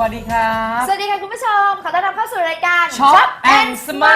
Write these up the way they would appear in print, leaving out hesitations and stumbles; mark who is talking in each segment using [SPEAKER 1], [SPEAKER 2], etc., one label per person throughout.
[SPEAKER 1] วัสดีครับ
[SPEAKER 2] สวัสดีค่ะคุณผู้ชมขอต้อนรับเข้าสู่รายการ
[SPEAKER 1] Shop and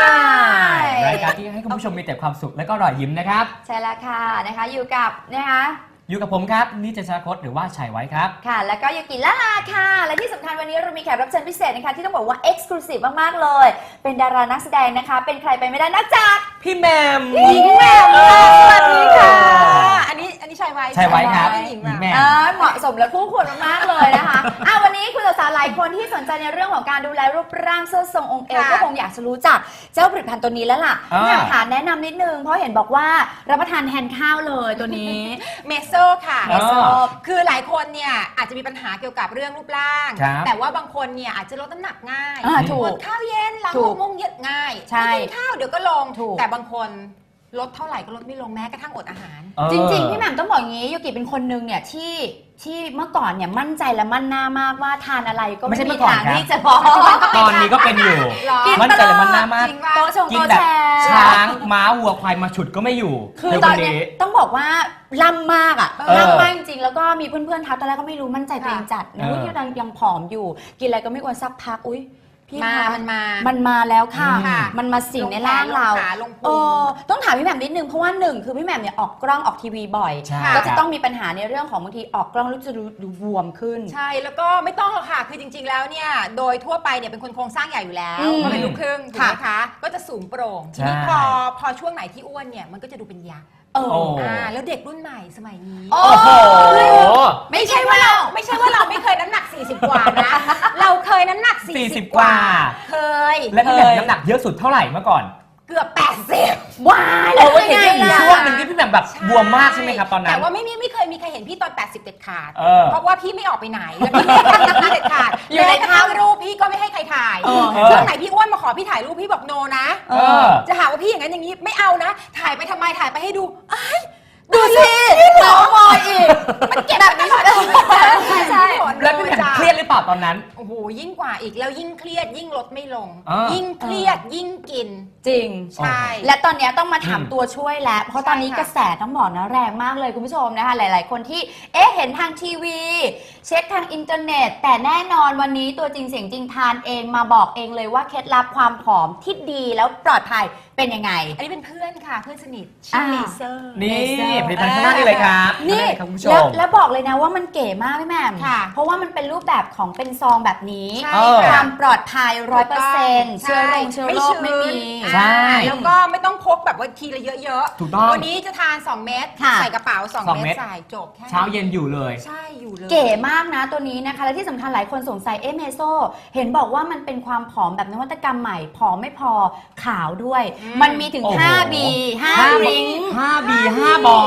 [SPEAKER 1] Smile รายการที่ให้คุณผู้ชมมีแต่ความสุขและก็รอยยิ้มนะครับ
[SPEAKER 2] ใช่แล้วค่ะนะคะอยู่กับ
[SPEAKER 1] อยู่กับผมครับนิจชาคตหรือว่าชัยไว้ครับ
[SPEAKER 2] ค่ะแล้วก็ยูกิล่าลาค่ะและที่สำคัญวันนี้เรามีแขกรับเชิญพิเศษนะคะที่ต้องบอกว่าเอ็กซ์คลูซีฟมากๆเลยเป็นดารานักแสดงนะคะเป็นใครไปไม่ได้นอกจาก
[SPEAKER 1] พี่แมม
[SPEAKER 2] หญิงแมมสวัสดีค่ะ
[SPEAKER 3] อันนี้ชัยไว้
[SPEAKER 1] ครับ
[SPEAKER 3] หญิงแมม
[SPEAKER 2] เหมาะสมและคู่ควรมากๆเลยนะคะวันนี้คุณสาวๆหลายคนที่สนใจในเรื่องของการดูแลรูปร่างเสื้อทรงองค์เอวก็คงอยากจะรู้จักเจ้าผลิตภัณฑ์ตัวนี้แล้วล่ะอยากถามแนะนำนิดนึงเพราะเห็นบอกว่ารับประทานแทนข้าวเลยตัวนี้
[SPEAKER 3] เมโซค่ะคือหลายคนเนี่ยอาจจะมีปัญหาเกี่ยวกับเรื่องรูปร่างแต่ว่าบางคนเนี่ยอาจจะลดน้ำหนักง่ายอดข้าวเย็นหลัง6 โมงเย็นง่ายกินข้าวเดี๋ยวก็ลงแต่บางคนลดเท่าไหร่ก็ลดไม่ลงแม้กระทั่งอดอาหาร
[SPEAKER 2] จริงๆพี่แหม่มต้องบอกอย่างนี้ยูกิเป็นคนนึงเนี่ยที่เมื่อก่อนเนี่ยมั่นใจและมั่นหน้ามากว่าทานอะไรก็ไม่มีทางที่จะพอ
[SPEAKER 1] ตอนนี้ก็เป็นอยู่มั่นใจและมั่นหน้ามาก
[SPEAKER 2] กิน
[SPEAKER 1] แบบช้างม้าวัวควายมาฉุดก็ไม่อยู่
[SPEAKER 2] คือตอนนี้ต้องบอกว่าล่ำมากอ่ะล่ำมากจริงๆแล้วก็มีเพื่อนๆทักตอนแรกก็ไม่รู้มั่นใจตัวเองจัดนะที่ยังผอมอยู่กินอะไรก็ไม่ควรสักพักอุ้ยมันมาแล้วค่ะมันมาสิ่งในร่างเราต้องถามพี่แหม่มนิดนึงเพราะว่าหนึ่งคือพี่แหม่มเนี่ยออกกล้องออกทีวีบ่อยก็จะต้องมีปัญหาในเรื่องของบางทีออกกล้องแล้วจะดูบวมขึ้น
[SPEAKER 3] ใช่แล้วก็ไม่ต้องหรอกค่ะคือจริงๆแล้วเนี่ยโดยทั่วไปเนี่ยเป็นคนโครงสร้างใหญ่อยู่แล้วมันเป็นลูกครึ่งถูกไหมคะก็จะสูงโปร่งทีนี้พอช่วงไหนที่อ้วนเนี่ยมันก็จะดูเป็นยักษ์แล้วเด็กรุ่นใหม่สมัยนี้ไม่ใช่ว่าเราไม่เคยน้ำหนัก40กว่านะเราเคยน้ำหนัก40กว่าเคย
[SPEAKER 1] และพี่แหม่มน้ำหนักเยอะสุดเท่าไหร่เมื่อก่อน
[SPEAKER 3] เกือบ80
[SPEAKER 2] ว้ายแล้ว
[SPEAKER 1] เห็นช่วงหนึ่งที่พี่แหม่มแบบบวมมากใช่ไหมครับตอนนั้น
[SPEAKER 3] แต่ว่าไม่เคยมีใครเห็นพี่ตอน80เด็ดขาดเพราะว่าพี่ไม่ออกไปไหนแล้วพี่ไม่เด็ดขาดอยู่ในทางรูปพี่ก็ไม่ให้ใครถ่ายช่วงไหนพี่อ้วนมาขอพี่ถ่ายรูปพี่บอกโนนะจะหาว่าพี่อย่างนั้นอย่างนี้ไม่เอานะถ่ายไปทำไมถ่ายไปให้ดู
[SPEAKER 2] ดูสิหมอมอยอีก
[SPEAKER 3] มันเก็บแบบนี้ใช่
[SPEAKER 1] แล้วพี่แหม่มเครียดหรือเปล่าตอนนั้น
[SPEAKER 3] โอ้โหยิ่งกว่าอีกแล้วยิ่งเครียดยิ่งลดไม่ลงยิ่งเครียดยิ่งกิน
[SPEAKER 2] จริง
[SPEAKER 3] ใช่
[SPEAKER 2] และตอนนี้ต้องมาถามตัวช่วยแล้วเพราะตอนนี้กระแสต้องบอกนะแรงมากเลยคุณผู้ชมนะคะหลายๆคนที่เห็นทางทีวีเช็คทางอินเทอร์เน็ตแต่แน่นอนวันนี้ตัวจริงเสียงจริงทานเองมาบอกเองเลยว่าเคล็ดลับความผอมที่ดีแล้วปลอดภัยเป็นยังไง
[SPEAKER 3] อันนี้เป็นเพื่อนค่ะเพื่อนสนิทชื่อเลเซอร์
[SPEAKER 1] นี่ผลิตภัณฑ์ข้างหน้านี่เลยครับ
[SPEAKER 2] นี่แล้วบอกเลยนะว่ามันเก๋มากพี่แหม่มเพราะว่ามันเป็นรูปแบบของเป็นซองแบบนี้ความปลอดภัย 100% เชื้อโรคไม่มี
[SPEAKER 1] ใช่
[SPEAKER 3] แล้วก็ไม่ต้องพกแบบว่าทีละเยอะ
[SPEAKER 1] ๆถูกต้อง
[SPEAKER 3] วันนี้จะทาน2 เม็ดใส่กระเป๋า2 เม็ดใส่จบแค่
[SPEAKER 1] เช้าเย็นอยู่เลย
[SPEAKER 3] ใช่อยู่เลย
[SPEAKER 2] เก๋มากนะตัวนี้นะคะและที่สำคัญหลายคนสงสัยเมโซเห็นบอกว่ามันเป็นความผอมแบบนวัตกรรมใหม่ผอมไม่พอขาวด้วยมันมีถึง5B 5 ริ้ง
[SPEAKER 1] 5B 5 บอ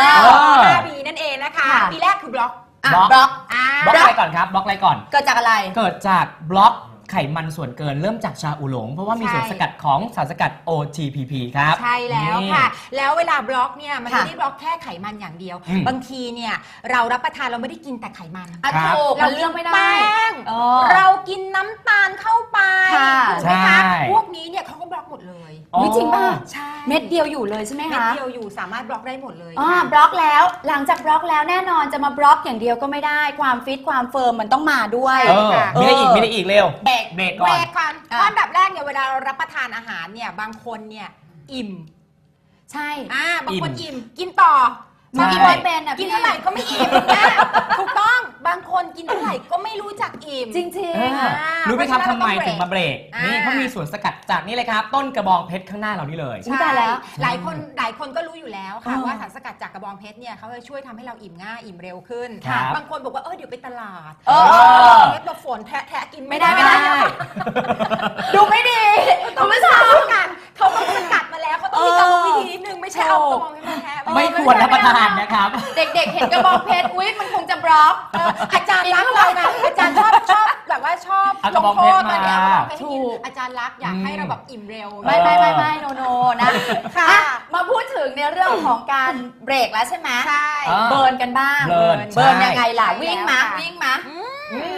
[SPEAKER 3] 5B นั่นเองนะคะปีแรกคือบล็อก
[SPEAKER 1] อะไรก่อนครับบล็อกอะไรก่อน
[SPEAKER 2] เกิดจากอะไร
[SPEAKER 1] เกิดจากบล็อกไขมันส่วนเกินเริ่มจากชาอูหลงเพราะว่ามีส่วนสกัดของสารสกัด OTPP ครับ
[SPEAKER 3] ใช่แล้วค่ะแล้วเวลาบล็อกเนี่ยมันไม่ได้บล็อกแค่ไขมันอย่างเดียวบางทีเนี่ยเรารับประทานเราไม่ได้กินแต่ไขมัน
[SPEAKER 2] เราเลือกไม่ได้
[SPEAKER 3] แป้งเรากินน้ำตาลเข้าไปถูกไหมคะพวกนี้เนี่ยเขาก็บล็อกหมดเลย
[SPEAKER 2] จริงป่ะ
[SPEAKER 3] ใช่
[SPEAKER 2] เม็ดเดียวอยู่เลยใช่ไหมคะ
[SPEAKER 3] เม็ดเดียวอยู่สามารถบล็อกได้หมดเลย
[SPEAKER 2] บล็อกแล้วหลังจากบล็อกแล้วแน่นอนจะมาบล็อกอย่างเดียวก็ไม่ได้ความฟิตความเฟิร์มมันต้องมาด้วย
[SPEAKER 1] มีได้อีกเร็วเบรกก่อน
[SPEAKER 3] อันดับแรกเนี่ยเวลาเรารับประทานอาหารเนี่ยบางคนเนี่ยอิ่ม
[SPEAKER 2] ใช่
[SPEAKER 3] บางคนอิ่มกินต่อ
[SPEAKER 2] กินไม่เป็น
[SPEAKER 3] กินเท่าไหร่ก็ไม่อิ่มถูกต้องบางคนกินเท่าไหร่ก็ไม่รู้จักอิ่ม
[SPEAKER 2] จริง
[SPEAKER 1] ๆรู้ไหมครับทำไมถึงมาเบรกนี่เขามีส่วนสกัดจากนี่เลยครับต้นกระบองเพชรข้างหน้าเรานี่เลย
[SPEAKER 2] ใช่แล้ว
[SPEAKER 3] หลายคนก็รู้อยู่แล้วค่ะว่าสารสกัดจากกระบองเพชรเนี่ยเขาจะช่วยทำให้เราอิ่มง่ายอิ่มเร็วขึ้นบางคนบอกว่าเดี๋ยวไปตลาดเพชรมาฝนแทะกิน
[SPEAKER 2] ไม่ได้ดูไม่ดี
[SPEAKER 3] ต้องไม่ทำกันเขาต้องสกัดมาแล้วเขาต้องมีกรรมวิธีนิดนึงไม่ใช่เอากระบองเพชรมาแทะ
[SPEAKER 1] ไม่ควรรับประทานนะครับ
[SPEAKER 2] เด็กๆเห็นกระบองเพชรอุ๊ยมันคงจะบล็อก
[SPEAKER 3] อาจารย์รักเรานะอาจารย์ชอบแบบว่าชอบ
[SPEAKER 1] ลงโทษ
[SPEAKER 3] มาถูกอาจารย์รักอยากให้เราแบบอิ่มเร็ว
[SPEAKER 2] ไม่โนนะค่ะมาพูดถึงในเรื่องของการเบรกแล้วใช่ไหม
[SPEAKER 3] ใช่
[SPEAKER 2] เบิร์นกันบ้างเบิร์นยังไงล่ะวิ่งมา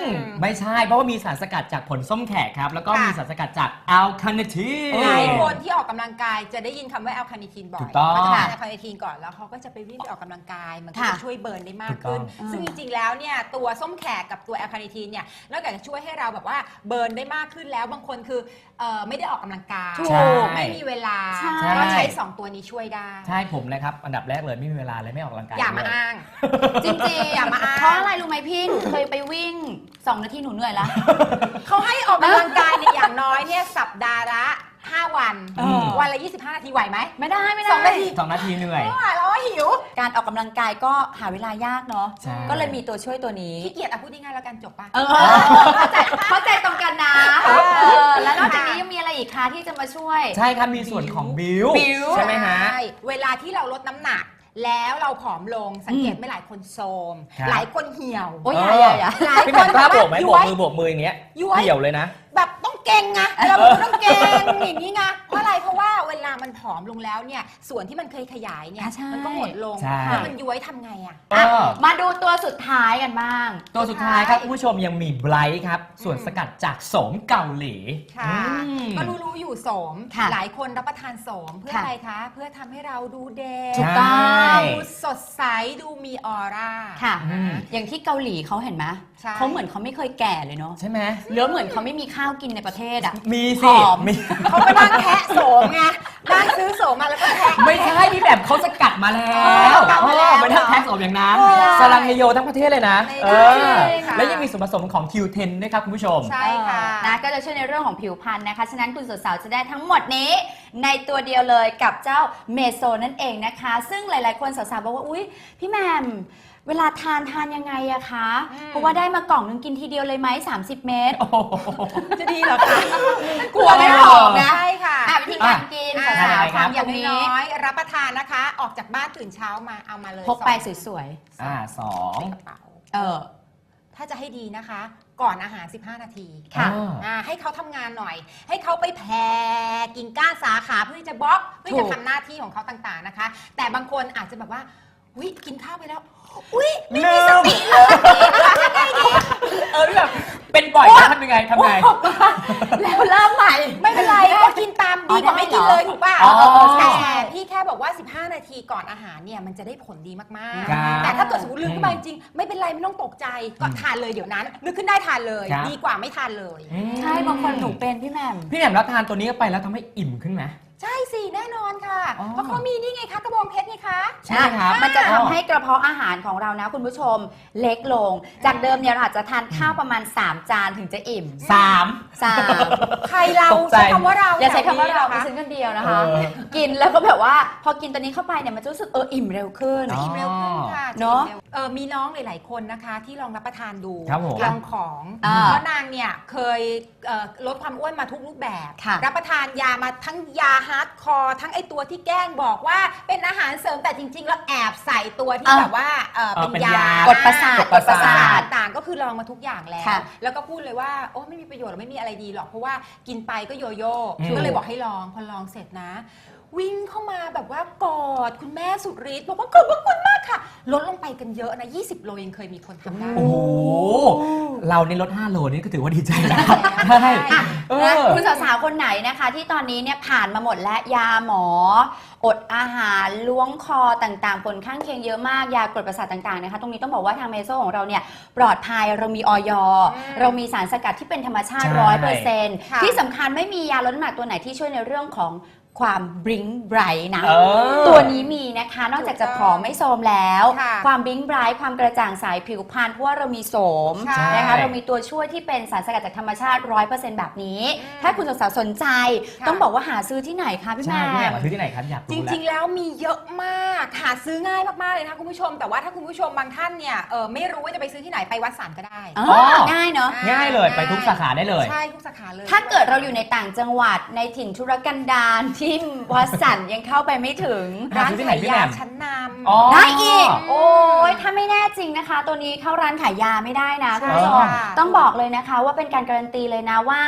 [SPEAKER 1] ไม่ใช่เพราะว่ามีสารสกัดจากผลส้มแขกครับแล้วก็มีสารสกัดจากอัลคาเนทีน
[SPEAKER 3] หลายคนที่ออกกำลังกายจะได้ยินคำว่าแอลคาเนทีนบ่อย
[SPEAKER 1] ถูกต้อง
[SPEAKER 3] เขาจะทานแอลคาเนทีนก่อนแล้วเขาก็จะไปวิ่งไปออกกำลังกายมันก็จะช่วยเบิร์นได้มากขึ้น ซึ่งจริงๆแล้วเนี่ยตัวส้มแขกกับตัวแอลคาเนทีนเนี่ยนอกจากจะช่วยให้เราแบบว่าเบิร์นได้มากขึ้นแล้วบางคนคือไม่ได้ออกกำลังกาย
[SPEAKER 1] ใช่
[SPEAKER 3] ไม่มีเวลา
[SPEAKER 2] ใช่
[SPEAKER 3] ก็ใช้2ตัวนี้ช่วยได้
[SPEAKER 1] ใช่ผมนะครับอันดับแรกเลยไม่มีเวลาเลยไม่ออกกำลังกาย
[SPEAKER 3] อย่ามา
[SPEAKER 1] เลย
[SPEAKER 3] อ้าง
[SPEAKER 2] จริงๆ
[SPEAKER 3] อย่ามาอ้าง
[SPEAKER 2] เพราะอะไรรู้ไหมพี่หนูเคยไปวิ่ง 2 นาทีหนูเหนื่อยละ
[SPEAKER 3] เขาให้ออกกำลังกายเนี่ยอย่างน้อยเนี่ยสัปดาห์ละ5 วัน วันละ 25 นาทีไหวไหม
[SPEAKER 2] ไม่ได้ไม่ได้
[SPEAKER 3] 2 นาที
[SPEAKER 1] 2 นาทีเหนื่อย
[SPEAKER 3] ไม่ไหวแล้วอะหิว
[SPEAKER 2] การออกกำลังกายก็หาเวลายากเนาะ
[SPEAKER 1] ใช่
[SPEAKER 2] ก็เลยมีตัวช่วยตัวนี้
[SPEAKER 3] ขี้เกียจพูดง่ายๆแล้วกันจบปะ
[SPEAKER 2] เข้าใจตรงกันนะแล้วนอกจากนี้ยังมีอะไรอีกคะที่จะมาช่วย
[SPEAKER 1] ใช่ครับมีส่วนของบิว
[SPEAKER 2] บิว
[SPEAKER 1] ใช่ไหมฮะ
[SPEAKER 3] ใช่เวลาที่เราลดน้ำหนักแล้วเราผอมลงสังเกตไหม่หลายคนโทรม
[SPEAKER 1] ครับ
[SPEAKER 3] หลายคนเหี่ยว
[SPEAKER 2] โอ้ยอย่า
[SPEAKER 3] หลาย
[SPEAKER 1] พี่
[SPEAKER 3] ค
[SPEAKER 1] แหม่
[SPEAKER 3] น
[SPEAKER 1] มกล้าโบกไหม
[SPEAKER 3] แบบ
[SPEAKER 1] โบ
[SPEAKER 3] ว่
[SPEAKER 1] กมือโบกมืออย่างเงี้ย
[SPEAKER 3] ย้วย
[SPEAKER 1] เหี่ยวเลยนะ
[SPEAKER 3] แบบต้องเก่งไงเราต้องเก่งอย่างนี้ไงเพราะอะไรเพราะว่าเวลามันผอมลงแล้วเนี่ยส่วนที่มันเคยขยายเนี่ย
[SPEAKER 2] อ่ะใช่
[SPEAKER 3] มันก็หมดลง
[SPEAKER 1] ใช่
[SPEAKER 3] แล้วมันย้วยทำไงอ่ะ
[SPEAKER 1] เออ
[SPEAKER 2] มาดูตัวสุดท้ายกันบ้าง
[SPEAKER 1] ตัวสุดท้ายครับคุณผู้ชมยังมีไบรท์ครับ ส่วนสกัดจากโสมเกาหลี
[SPEAKER 3] ค่ะ
[SPEAKER 1] อืม
[SPEAKER 3] ก็รู้อยู่โสม
[SPEAKER 2] ค่ะ
[SPEAKER 3] หลายคนรับประทานโสมเพื่อ
[SPEAKER 2] ค่ะ
[SPEAKER 3] อะไรคะ เพื่อทำให้เราดูเด็ก
[SPEAKER 2] ถูกต้อง
[SPEAKER 3] ดูสดใสดูมีออร่า
[SPEAKER 2] ค่ะ
[SPEAKER 1] อืม
[SPEAKER 2] อย่างที่เกาหลีเขาเห็นไหม
[SPEAKER 3] ใช่
[SPEAKER 2] เขาเหมือนเขาไม่เคยแก่เลยเนาะ
[SPEAKER 1] ใช่ไหม
[SPEAKER 2] หรือเหมือนเขาไม่มีข้าวกินในประเทศอ่ะ
[SPEAKER 1] มี
[SPEAKER 2] ผ
[SPEAKER 1] สิ
[SPEAKER 2] อม
[SPEAKER 1] มี
[SPEAKER 3] เขาก็นั่งแทะโสมไงนั่งซื้อโสมมาแล้วก็แทะ
[SPEAKER 1] ไม่ใช่พี่แบบเขาสกัดมาแล้ว
[SPEAKER 3] สกัดมาแล้ว
[SPEAKER 1] ไม่ได้แท็กโสมอย่างนั้น
[SPEAKER 3] เออ
[SPEAKER 1] สลังเฮโยทั้งประเทศเลยนะ
[SPEAKER 3] ไม่
[SPEAKER 1] เอ
[SPEAKER 3] ได้
[SPEAKER 1] อ
[SPEAKER 3] ค่ะ
[SPEAKER 1] และยังมีส่วนผสมของ Q10 ด้วยครับคุณผู้ชม
[SPEAKER 3] ใช่ค่ะ
[SPEAKER 2] นะก็จะช่วยในเรื่องของผิวพรรณนะคะ ฉะนั้นคุณสาวๆจะได้ทั้งหมดนี้ ในตัวเดียวเลยกับเจ้าเมโซนั่นเองนะคะ ซึ่งหลายๆคนสาวๆบอกว่าอุ๊ยพี่แหมมเวลาทานยังไงอะคะ เพราะว่าได้มากล่องนึงกินทีเดียวเลยไหม30 เม็ด
[SPEAKER 1] โอ้โห
[SPEAKER 3] จะดีเหรอคะ
[SPEAKER 2] กลัวไม่ออกนะ
[SPEAKER 3] ใช่ค่ะ
[SPEAKER 2] วิธีการกิน
[SPEAKER 3] อ่ะ
[SPEAKER 2] สาว
[SPEAKER 1] ทำยังไงครับ
[SPEAKER 2] ๆทำอา
[SPEAKER 3] อย่ย่าง ง
[SPEAKER 2] นี้
[SPEAKER 3] น้อยรับประทานนะคะ ออกจากบ้านตื่นเช้ามาเอามาเลย
[SPEAKER 2] พกไป
[SPEAKER 3] 2
[SPEAKER 2] สวย
[SPEAKER 1] สอง
[SPEAKER 3] กระเป๋า
[SPEAKER 2] ๆ
[SPEAKER 3] ถ้าจะให้ดีนะคะ ก่อนอาหาร 15 นาที
[SPEAKER 2] ค่ะ
[SPEAKER 3] ให้เขาทำงานหน่อย ให้เขาไปแผ่กิ่งก้านสาขาเพื่อที่จะบล็อกเพื่อ
[SPEAKER 2] ถู
[SPEAKER 3] จะ
[SPEAKER 2] ก
[SPEAKER 3] ทำหน้าที่ของเขาต่างๆนะคะ แต่บางคนอาจจะแบบว่าอุ๊ยกินข้าวไปแล้วอุ๊ยไม่มีสติเลย
[SPEAKER 1] แบบเป็นบ่อยนะทำยังไง
[SPEAKER 2] แล้วเริ่มใหม่
[SPEAKER 3] ไม่เป็นไรก็กินตามดีกว่าไม่กินเลยถูกป่ะ
[SPEAKER 1] อ๋อ
[SPEAKER 3] แต่พี่แค่บอกว่า 15 นาทีก่อนอาหารเนี่ยมันจะได้ผลดีมาก
[SPEAKER 1] ครับ
[SPEAKER 3] ๆ แต่ถ้าเกิดสมมติลืมขึ้นมาจริงๆไม่เป็นไรไม่ต้องตกใจก็ทานเลยเดี๋ยวนั้นนึกขึ้นได้ทานเลย
[SPEAKER 1] ครับ
[SPEAKER 3] ดีกว่าไม่ทานเลย
[SPEAKER 2] ใช่บางคนหนูเป็นพี่แหมม
[SPEAKER 1] พี่แหม่มรับทานตัวนี้เข้าไปแล้วทำให้อิ่มขึ้นไหม
[SPEAKER 3] ใช่สิแน่นอนค่ะ
[SPEAKER 1] อ๋อ
[SPEAKER 3] เพราะเขามีนี่ไงคะกระบองเพชรไงคะ
[SPEAKER 1] ใช่ครับ
[SPEAKER 2] มันจะทำให้กระเพาะอาหารของเรานะคุณผู้ชมเล็กลง จากเดิมเนี่ยเราอาจจะทานข้าวประมาณ 3 จานถึงจะอิ่ม
[SPEAKER 1] 3
[SPEAKER 2] 3
[SPEAKER 3] ใครเรา
[SPEAKER 1] ตกใจ
[SPEAKER 3] ใช้คำว่าเรา
[SPEAKER 2] อย่าใช้คำว่าเรา
[SPEAKER 3] แถ
[SPEAKER 2] ดิ
[SPEAKER 3] นี้
[SPEAKER 2] ฉั
[SPEAKER 3] ห
[SPEAKER 2] นคนเดียวนะคะ
[SPEAKER 1] เออ
[SPEAKER 2] กินแล้วก็แบบว่าพอกินตัวนี้เข้าไปเนี่ยมันจะรู้สึกอิ่มเร็วขึ้น
[SPEAKER 1] อ๋อ
[SPEAKER 3] อิ่มเร็วขึ้นค่ะ
[SPEAKER 2] เนอะ
[SPEAKER 3] จอิ่มร็วมีน้องหลายๆคนนะคะ ที่ลองรับประทานดู
[SPEAKER 1] ครับผม
[SPEAKER 3] ลองของ เพราะนางเนี่ยเคยลดความอ้วนมาทุกรูปแบบ
[SPEAKER 2] ค่ะ
[SPEAKER 3] รับประทานยามาทั้งยาฮาร์ดคอร์ทั้งไอตัวที่แกล้งบอกว่าเป็นอาหารเสริมแต่จริง ๆ แล้วแอบใส่ตัวที่แบบว่าเป็น
[SPEAKER 1] เป็น
[SPEAKER 3] ยาย
[SPEAKER 1] า
[SPEAKER 2] กดประสาท
[SPEAKER 1] กดประสาท
[SPEAKER 3] ต่างๆก็คือลองมาทุกอย่างแล้ว
[SPEAKER 2] ค่ะ
[SPEAKER 3] แล้วก็พูดเลยว่าโอ้ไม่มีประโยชน์หรอกไม่มีอะไรดีหรอกเพราะว่ากินไปก็โยโย่
[SPEAKER 1] อืม
[SPEAKER 3] ก็เลยบอกให้ลองพอลองเสร็จนะ วิ่งเข้ามาแบบว่ากอดคุณแม่สุดฤทธิ์บอกว่าขอบพระคุณมากค่ะ ลดลงไปกันเยอะนะ 20 โลยังเคยมีคนทำได้
[SPEAKER 1] โอ้โห เราในลด 5 โลนี่ก็ถือว่าดีใจแล้ว
[SPEAKER 3] ใช่
[SPEAKER 1] ใช่เอ
[SPEAKER 2] นะ
[SPEAKER 1] อ
[SPEAKER 2] คุณสาวๆคนไหนนะคะ ที่ตอนนี้เนี่ยผ่านมาหมดและยาหมอ อดอาหารล้วงคอต่างๆผลข้างเคียงเยอะมากยากดประสาทต่างๆนะคะตรงนี้ต้องบอกว่าทางเมโซของเราเนี่ยปลอดภัยเรามีออยเรามีสารสกัดที่เป็นธรรมชาติ
[SPEAKER 1] ใช่
[SPEAKER 2] 100%ที่สำคัญไม่มียาลดน้ำหนักตัวไหนที่ช่วยในเรื่องของความบลิงไบรท์นะ
[SPEAKER 1] เออ
[SPEAKER 2] ตัวนี้มีนะคะนอกจากจะผอมไม่โทรมแล้ว
[SPEAKER 3] ค่ะ
[SPEAKER 2] ความบลิงไบรท์ความกระจ่างใสผิวพรรณเพราะว่าเรามีโสม
[SPEAKER 3] ใช่
[SPEAKER 2] นะคะเรามีตัวช่วยที่เป็นสารสกัดจากธรรมชาติ 100% แบบนี้
[SPEAKER 3] อืม
[SPEAKER 2] ถ้าคุณสาวๆสนใจ
[SPEAKER 3] ค่ะ
[SPEAKER 2] ต้องบอกว่าหาซื้อที่ไหนคะพี่
[SPEAKER 1] ใช่
[SPEAKER 2] แม่
[SPEAKER 1] พี่แหม่มมาซื้อที่ไหนครับอยาก
[SPEAKER 3] จ
[SPEAKER 1] รู้แล้ว
[SPEAKER 3] ริงๆ แล้วมีเยอะมากหาซื้อง่ายมากๆเลยนะคะคุณผู้ชม แต่ว่าถ้าคุณผู้ชมบางท่านเนี่ยไม่รู้ว่าจะไปซื้อที่ไหนไปวัดสันก็ได้
[SPEAKER 2] อ๋อ
[SPEAKER 1] อ
[SPEAKER 2] ง่ายเนาะ
[SPEAKER 1] ง่ายเลยไปทุกสาขาได้เลย
[SPEAKER 3] ใช่ทุกสาขาเลย
[SPEAKER 2] ถ้าเกิดเราอยู่ในต่างจังหวัดในถิ่นธุรกันดารที่วัดสันยังเข้าไปไม่ถึง
[SPEAKER 1] หาซื้อที่ไหนพี่แหม่ม
[SPEAKER 3] ชั้นนำ
[SPEAKER 1] อ๋อ
[SPEAKER 2] ได้อีก โอ้ยถ้าไม่แน่จริงนะคะ ตัวนี้เข้าร้านขายยาไม่ได้นะ
[SPEAKER 3] ใช่
[SPEAKER 2] คุณผู้ชม
[SPEAKER 3] ค่ะ
[SPEAKER 2] ต้องบอกเลยนะคะว่าเป็นการการันตีเลยนะว่า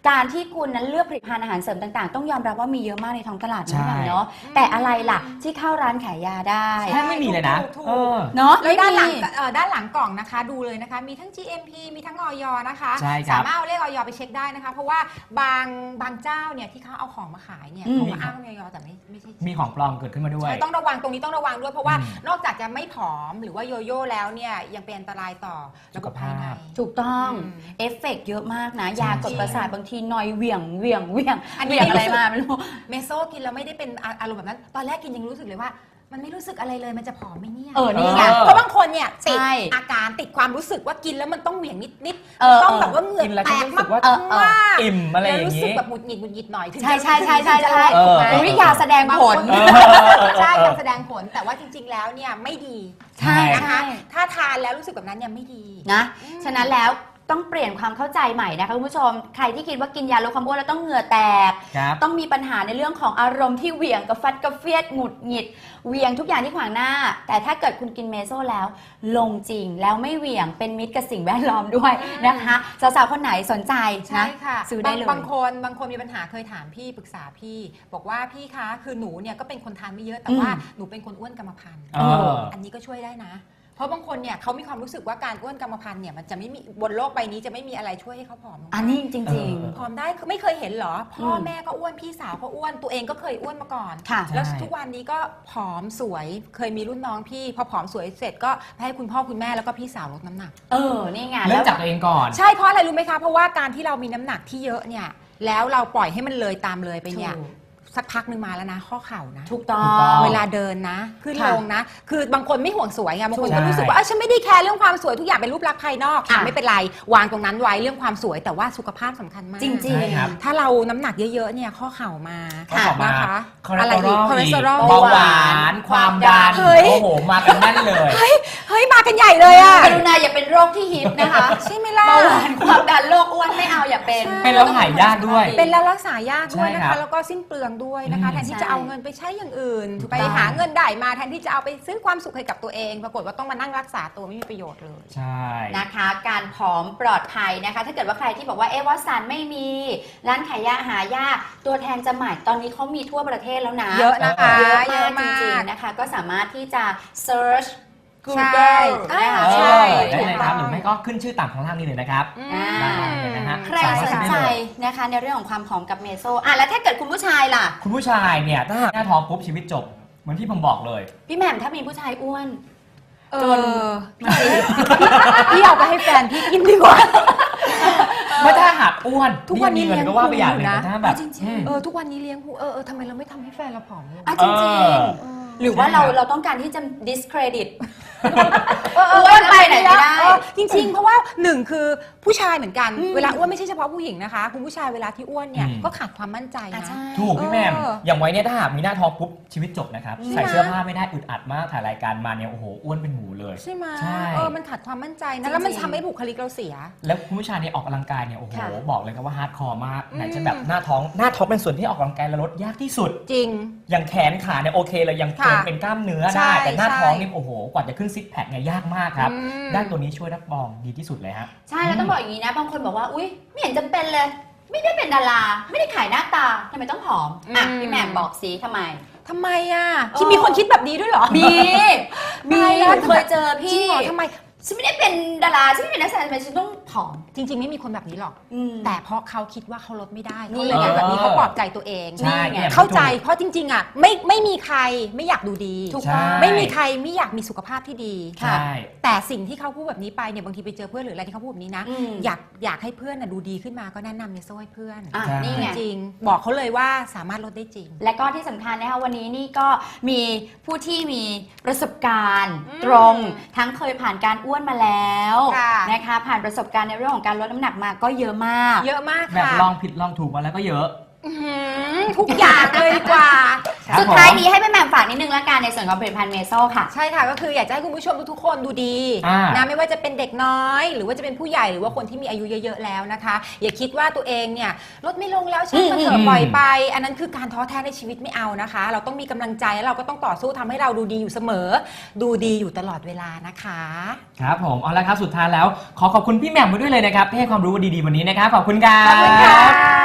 [SPEAKER 2] การที่คุณนั้นเลือกผลิตภัณฑ์อาหารเสริมต่างๆต้องยอมรับว่ามีเยอะมากในท้องตลาด
[SPEAKER 1] ใช่
[SPEAKER 2] นะเนาะแต่อะไรล่ะที่เข้าร้านขายยาได้
[SPEAKER 1] แทบไม่มีเลยนะ
[SPEAKER 3] ถูก
[SPEAKER 1] เออ
[SPEAKER 2] เนาะ
[SPEAKER 3] แล้วด้านหลัง
[SPEAKER 2] ไม่มี
[SPEAKER 3] ด้านหลังกล่องนะคะดูเลยนะคะ มีทั้ง GMP มีทั้งออยนะคะ
[SPEAKER 1] ใช่ครับ
[SPEAKER 3] สามารถเอาเลขออยไปเช็คได้นะคะ เพราะว่าบางเจ้าเนี่ยที่เขาเอาของมาขายเนี่ย
[SPEAKER 2] อืม
[SPEAKER 3] เขามาอ้างออยแต่ไม่ใช่
[SPEAKER 1] มีของปลอมเกิดขึ้นมาด้วย
[SPEAKER 3] ใช่ต้องระวังตรงนี้ต้องระวังด้วยเพราะว่า
[SPEAKER 1] อืม
[SPEAKER 3] นอกจากจะไม่ผอมหรือว่าโยโย่แล้วเนี่ยยังเป็นอันตรายต่อระบบภายใน
[SPEAKER 2] ถูกต้อง
[SPEAKER 3] อืม
[SPEAKER 2] เอฟเฟกต์เยอะมากนะ
[SPEAKER 1] ใช่
[SPEAKER 2] ยากดประสาทบางทีนอยเหวี่ยง
[SPEAKER 3] อันนี้
[SPEAKER 2] เหวี่ยงอะไร
[SPEAKER 3] ไม่รู้สึก
[SPEAKER 2] มาไม่รู้
[SPEAKER 3] เมโซกินแล้วไม่ได้เป็นอารมณ์แบบนั้น ตอนแรกกินยังรู้สึกเลยว่า มันไม่รู้สึกอะไรเลยมันจะผอมไหมเนี่ย
[SPEAKER 2] นี่ไง
[SPEAKER 3] เพราะบางคนเนี่ยติด
[SPEAKER 2] ใช่
[SPEAKER 3] อาการติดความรู้สึกว่ากินแล้วมันต้องเหวี่ยงนิด
[SPEAKER 2] เออ
[SPEAKER 3] ต้องแบบว่าเหงื่อ
[SPEAKER 1] กินแล้ว
[SPEAKER 3] แต
[SPEAKER 1] ก็
[SPEAKER 3] ก
[SPEAKER 1] รู้สึกว่า
[SPEAKER 3] มาก
[SPEAKER 1] อิ่มอะไรอ
[SPEAKER 3] แล้ว
[SPEAKER 1] ย่าง
[SPEAKER 3] รู้สึก
[SPEAKER 1] นี้
[SPEAKER 3] แบบหงุดหงิดหน่อยถึง
[SPEAKER 2] ใช่
[SPEAKER 3] จะ
[SPEAKER 2] ใช่ใช่ใช่
[SPEAKER 3] ถึงจะ
[SPEAKER 2] ใช่
[SPEAKER 3] ถูกไหม
[SPEAKER 2] อุ๊ยยาแสดงผล
[SPEAKER 3] ใช่การแสดงผลแต่ว่าจริง ๆ แล้วเนี่ยไม่ดี
[SPEAKER 2] ใช่
[SPEAKER 3] นะคะ
[SPEAKER 2] ใช่
[SPEAKER 3] ถ้าทานแล้วรู้สึกแบบนั้นเนี่ยไม่ดี
[SPEAKER 2] นะ ฉะนั้นแล้วต้องเปลี่ยนความเข้าใจใหม่นะคะคุณผู้ชม ใครที่คิดว่ากินยาลดความอ้วนแล้วต้องเหงื่อแตก
[SPEAKER 1] ครับ
[SPEAKER 2] ต้องมีปัญหาในเรื่องของอารมณ์ที่เหวี่ยงกระฟัดกระเฟียดหงุดหงิดเหวี่ยงทุกอย่างที่ขวางหน้า แต่ถ้าเกิดคุณกินเมโซแล้ว ลงจริงแล้วไม่เหวี่ยงเป็นมิตรกับสิ่งแวดล้อมด้วยนะคะสาวๆคนไหนสนใจ
[SPEAKER 3] ใช่
[SPEAKER 2] นะ
[SPEAKER 3] ค่ะ
[SPEAKER 2] ซื้อได้เลย
[SPEAKER 3] บางคนมีปัญหาเคยถามพี่ปรึกษาพี่ บอกว่าพี่คะคือหนูเนี่ยก็เป็นคนทานไม่เยอะแต่ว่าหนูเป็นคนอ้วนกรรมพันธุ์
[SPEAKER 1] เออ
[SPEAKER 3] อันนี้ก็ช่วยได้นะ เพราะบางคนเนี่ยเขามีความรู้สึกว่าการอ้วนกรรมพันธุ์เนี่ยมันจะไม่มีบนโลกใบนี้จะไม่มีอะไรช่วยให้เขาผอมลงได้
[SPEAKER 2] อันนี้จริง
[SPEAKER 3] ผอมได้คือไม่เคยเห็นเหรอ พ่อแม่ก็อ้วนพี่สาวก็อ้วนตัวเองก็เคยอ้วนมาก่อน
[SPEAKER 2] ๆ ค่ะ
[SPEAKER 3] แล้ว
[SPEAKER 1] ใช่
[SPEAKER 3] ทุกวันนี้ก็ผอมสวยเคยมีรุ่นน้องพี่พอผอมสวยเสร็จก็ให้คุณพ่อคุณแม่แล้วก็พี่สาวลดน้ำหนัก
[SPEAKER 2] นี่ไง
[SPEAKER 1] เริ่
[SPEAKER 2] แล้
[SPEAKER 1] ม
[SPEAKER 2] ว
[SPEAKER 1] จากตัวเองก่อน
[SPEAKER 3] ใช่เพราะอะไรรู้ไหมคะเพราะว่าการที่เรามีน้ำหนักที่เยอะเนี่ยแล้วเราปล่อยให้มันเลยตามเลยไปเนี่ยสักพักหนึ่งมาแล้วนะข้อเข่านะ
[SPEAKER 2] ถูกต้อ
[SPEAKER 1] ถูกต้อง
[SPEAKER 2] ง
[SPEAKER 3] เวลาเดินนะขึ้น
[SPEAKER 2] ค่ะ
[SPEAKER 3] ลงนะ คือบางคนไม่ห่วงสวยไงบางคน
[SPEAKER 1] ใช่
[SPEAKER 3] ก็รู้สึกว่าฉันไม่ได้แคร์เรื่องความสวยทุกอย่างเป็นรูปลักษณ์ภายนอก
[SPEAKER 2] ค่ะ
[SPEAKER 3] ไม่เป็นไรวางตรงนั้นไว้เรื่องความสวยแต่ว่าสุขภาพสำคัญมาก
[SPEAKER 2] จริง
[SPEAKER 1] ใช่ครับ
[SPEAKER 3] ถ้าเราน้ำหนักเยอะๆเนี่ยข้อเข่ามา
[SPEAKER 1] ข้อเข่ามา
[SPEAKER 3] นะคะ
[SPEAKER 1] คอเลสเตอรอล
[SPEAKER 3] คอเลสเตอรอล
[SPEAKER 1] เบาหวานความดัน
[SPEAKER 3] เฮ้ย
[SPEAKER 1] โอ้โหมากันแน่นเลย
[SPEAKER 3] เฮ้ยมากันใหญ่เลยอะ
[SPEAKER 2] กรุณาอย่าเป็นโรคที่ฮิตนะคะ
[SPEAKER 3] ใช่ไหมล่ะ
[SPEAKER 2] เบาหวานความดันโรคอ้วนไม่เอาอย่าเป็น
[SPEAKER 1] เป็นแล้วหายยากด้วย
[SPEAKER 3] เป็นแล้วรักษายากด้วย
[SPEAKER 1] ใช่
[SPEAKER 3] นะ
[SPEAKER 1] ครั
[SPEAKER 3] คะ
[SPEAKER 1] บ
[SPEAKER 3] แล้วก็สิ้นเปลืองด้วยนะคะ
[SPEAKER 1] อืม
[SPEAKER 3] แทนที่จะเอาเงินไปใช้อย่างอื่น
[SPEAKER 1] ถูก
[SPEAKER 3] ไป
[SPEAKER 1] ต้อง
[SPEAKER 3] หาเงินได้มาแทนที่จะเอาไปซื้อความสุขให้กับตัวเอง ปรากฏว่าต้องมานั่งรักษาตัวไม่มีประโยชน์เลย
[SPEAKER 1] ใช่
[SPEAKER 2] นะคะการผอมปลอดภัยนะคะ ถ้าเกิดว่าใครที่บอกว่าวัดสันไม่มีร้านขายยาหายากตัวแทนจำหน่ายตอนนี้เขามีทั่วประเทศแล้วนะ
[SPEAKER 3] เยอะนะคะ
[SPEAKER 2] เยอะมากจริงๆนะคะก็สามารถที่จะ search
[SPEAKER 3] ใช่
[SPEAKER 2] Google นะคะ
[SPEAKER 3] ใช่
[SPEAKER 1] ได้เลยครับหรือไม่ก็ขึ้นชื่อต่างข้างล่างนี้เลยนะครับ
[SPEAKER 3] อืม
[SPEAKER 2] อ่า
[SPEAKER 1] ได้เลยนะฮะ
[SPEAKER 2] ใครสนใจนะคะในเรื่องของความผอมกับเมโซแล้วถ้าเกิดคุณผู้ชายล่ะ
[SPEAKER 1] คุณผู้ชายเนี่ยถ้าหากหน้าท้องปุ๊บชีวิตจบเหมือนที่ผมบอกเลย
[SPEAKER 2] พี่แหม่มถ้ามีผู้ชายอ้วน
[SPEAKER 3] จนพี่เอาไปให้แฟนพี่กินดีกว่า
[SPEAKER 1] ไม่ถ้าหากอ้วน
[SPEAKER 3] ทุกวันนี้
[SPEAKER 1] มีเงิ
[SPEAKER 3] เลี้ยง
[SPEAKER 1] ก็ว่าไปอย่างหนึง
[SPEAKER 3] พุงอยู่นะ
[SPEAKER 1] แต่ถ้าแบบ
[SPEAKER 2] จริงๆ
[SPEAKER 1] อืม
[SPEAKER 3] ทุกวันนี้เลี้ยงหูทำไมเราไม่ทำให้แฟนเราผอมลง
[SPEAKER 2] จริง
[SPEAKER 1] เออ
[SPEAKER 2] ๆหรือว่า
[SPEAKER 1] ใช่ครับ
[SPEAKER 2] เราต้องการที่จะ discredit อ้วนไปไหนไม่ได้
[SPEAKER 3] จริงๆ เพราะว่าหนึ่งคือผู้ชายเหมือนกัน
[SPEAKER 2] อืม
[SPEAKER 3] เวลาอ้วนไม่ใช่เฉพาะผู้หญิงนะคะ คุณผู้ชายเวลาที่อ้วนเนี่ย
[SPEAKER 1] อืม
[SPEAKER 3] ก็ขาดความมั่นใจนะ
[SPEAKER 2] ใช่
[SPEAKER 1] ถูกพี่แหม่ม
[SPEAKER 3] เออ
[SPEAKER 1] อย่างไว้เนี่ยถ้าหากมีหน้าท้องปุ๊บชีวิตจบนะครับ
[SPEAKER 2] ใช่ไหม
[SPEAKER 1] ใส่เสื้อผ้าไม่ได้อึดอัดมากถ่ายรายการมาเนี่ยโอ้โหอ้วนเป็นหมูเลย
[SPEAKER 3] ใช่ไหม
[SPEAKER 1] ใช่
[SPEAKER 3] มันขาดความมั่นใจ
[SPEAKER 2] จริ
[SPEAKER 3] นะ
[SPEAKER 2] งๆ
[SPEAKER 3] แล้วมันทำให้บุคลิกเราเสีย
[SPEAKER 1] แล้วคุณผู้ชายเนี่ยออกกำลังกายเนี่ยโอ้โห
[SPEAKER 2] ค่ะ
[SPEAKER 1] บอกเลยครับว่าฮาร์ดคอร์มาก
[SPEAKER 3] อืม
[SPEAKER 1] ไหนจะแบบหน้าท้องเป็นส่วนที่ออกกำลังกายและลดยากที่สุด
[SPEAKER 3] จริง
[SPEAKER 1] อย่างแขนขาเนี่ยโอเคเลยยัง
[SPEAKER 3] ค่ะ
[SPEAKER 1] เป็นกล้ามเนื้อ
[SPEAKER 3] ใช่
[SPEAKER 1] ได้แต่หน้าท้อง
[SPEAKER 3] ใช่
[SPEAKER 1] นี่โอ้โหกว่าจะขึ้นซิกแพคเนี่ยยากมากครับ
[SPEAKER 3] อืม
[SPEAKER 1] ด้านตัวนี้ช่วยรับรองดีที่สุดเลยฮะ
[SPEAKER 2] ใช่แล้วต้องบอกอย่างนี้นะบางคนบอกว่าอุ๊ยไม่เห็นจำเป็นเลย ไม่ได้เป็นดาราไม่ได้ขายหน้าตาทำไมต้องผอมพี่แหม่มบอกสิทำไม
[SPEAKER 3] ทำไมอ่ะที่มีคนคิดแบบนี้ด้วยเหรอ
[SPEAKER 2] มี
[SPEAKER 3] ตายแล้ว
[SPEAKER 2] เคยเจอ
[SPEAKER 3] จริ
[SPEAKER 2] พี่
[SPEAKER 3] งเหรอทำไม
[SPEAKER 2] ฉันไม่ได้เป็นดาราฉันไม่ได้เป็นนักแสดงทำไมฉันต้องผอม
[SPEAKER 3] จริง ๆ ไม่มีคนแบบนี้หรอก แต่เพราะเขาคิดว่าเขาลดไม่ได้
[SPEAKER 2] นี่
[SPEAKER 3] เขาเลยเป็นแบบนี้เขาปลอบใจตัวเอง
[SPEAKER 1] ใช่
[SPEAKER 2] นี่ไง
[SPEAKER 1] นี่ย
[SPEAKER 3] เข้าใจเพราะจริง ๆ อ่ะ ไม่มีใครไม่อยากดูดี
[SPEAKER 2] ถูก
[SPEAKER 1] ใช่
[SPEAKER 2] ต้อง
[SPEAKER 3] ไม่มีใครไม่อยากมีสุขภาพที่ดี
[SPEAKER 1] ใช่
[SPEAKER 3] แต่สิ่งที่เขาพูดแบบนี้ไปเนี่ยบางทีไปเจอเพื่อนหรืออะไรที่เขาพูดแบบนี้นะ
[SPEAKER 2] อืม
[SPEAKER 3] อยากให้เพื่อนน่ะดูดีขึ้นมาก็แนะนำเมโซ่ให้เพื่อน
[SPEAKER 2] อ่ะ
[SPEAKER 1] ใช่
[SPEAKER 2] นี่ไง
[SPEAKER 3] จริงๆบอกเขาเลยว่าสามารถลดได้จริง
[SPEAKER 2] และก็ที่สำคัญนะคะวันนี้นี่ก็มีผู้ที่มีประสบการณ์
[SPEAKER 3] อืม
[SPEAKER 2] ตรง ทั้งเคยผ่านการอ้วนมาแล้ว
[SPEAKER 3] ค่ะ
[SPEAKER 2] นะคะผ่านประสบการณ์ในเรื่องของการลดน้ำหนักมาก็เยอะมาก
[SPEAKER 3] เยอะมาก
[SPEAKER 1] แบบ
[SPEAKER 3] ค่ะ
[SPEAKER 1] ลองผิดลองถูกมาแล้วก็เยอะ
[SPEAKER 3] อื้อหือทุกอย่างเลยดีกว่า
[SPEAKER 1] ครับ
[SPEAKER 2] สุดท้าย
[SPEAKER 1] ผม
[SPEAKER 2] นี้ให้พี่แหม่มฝากนิดนึงละกันในส่วนของผลิตภัณฑ์เมโซค่ะ
[SPEAKER 3] ใช่ค่ะก็คืออยากจะให้คุณผู้ชมทุกๆคนดูดี
[SPEAKER 1] อ่าน
[SPEAKER 3] นะไม่ว่าจะเป็นเด็กน้อย หรือว่าจะเป็นผู้ใหญ่หรือว่าคนที่มีอายุเยอะๆแล้วนะคะ อย่าคิดว่าตัวเองเนี่ยลดไม่ลงแล้วช่างมันเถอะปล่อยไป อันนั้นคือการท้อแท้ในชีวิตไม่เอานะคะ เราต้องมีกำลังใจแล้วเราก็ต้องต่อสู้ทำให้เราดูดีอยู่เสมอ ดูดีอยู่ตลอดเวลานะคะ
[SPEAKER 1] ครับผมเอาละครับสุดท้ายแล้วขอขอบคุณพี่แหม่มมาด้วยเลยนะครับที่ให้ความรู้ดีๆวันนี้นะครับขอบคุณครับ
[SPEAKER 3] ขอบคุณค่ะ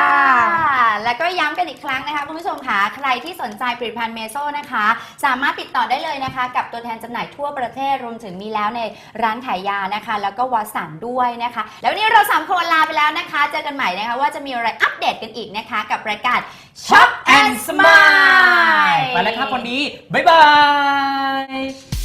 [SPEAKER 2] แล้วก็ย้ำกันอีกครั้งนะคะคุณผู้ชมค่ะใครที่สนใจผลิตภัณฑ์เมโซนะคะสามารถติดต่อได้เลยนะคะกับตัวแทนจำหน่ายทั่วประเทศรวมถึงมีแล้วในร้านขายยานะคะแล้วก็วาสันด้วยนะคะแล้ววันนี้เรา3คนลาไปแล้วนะคะเจอกันใหม่นะคะว่าจะมีอะไรอัปเดตกันอีกนะคะกับรายการ Shop and Smile
[SPEAKER 1] ไปแล้วครับวันนี้บ๊ายบาย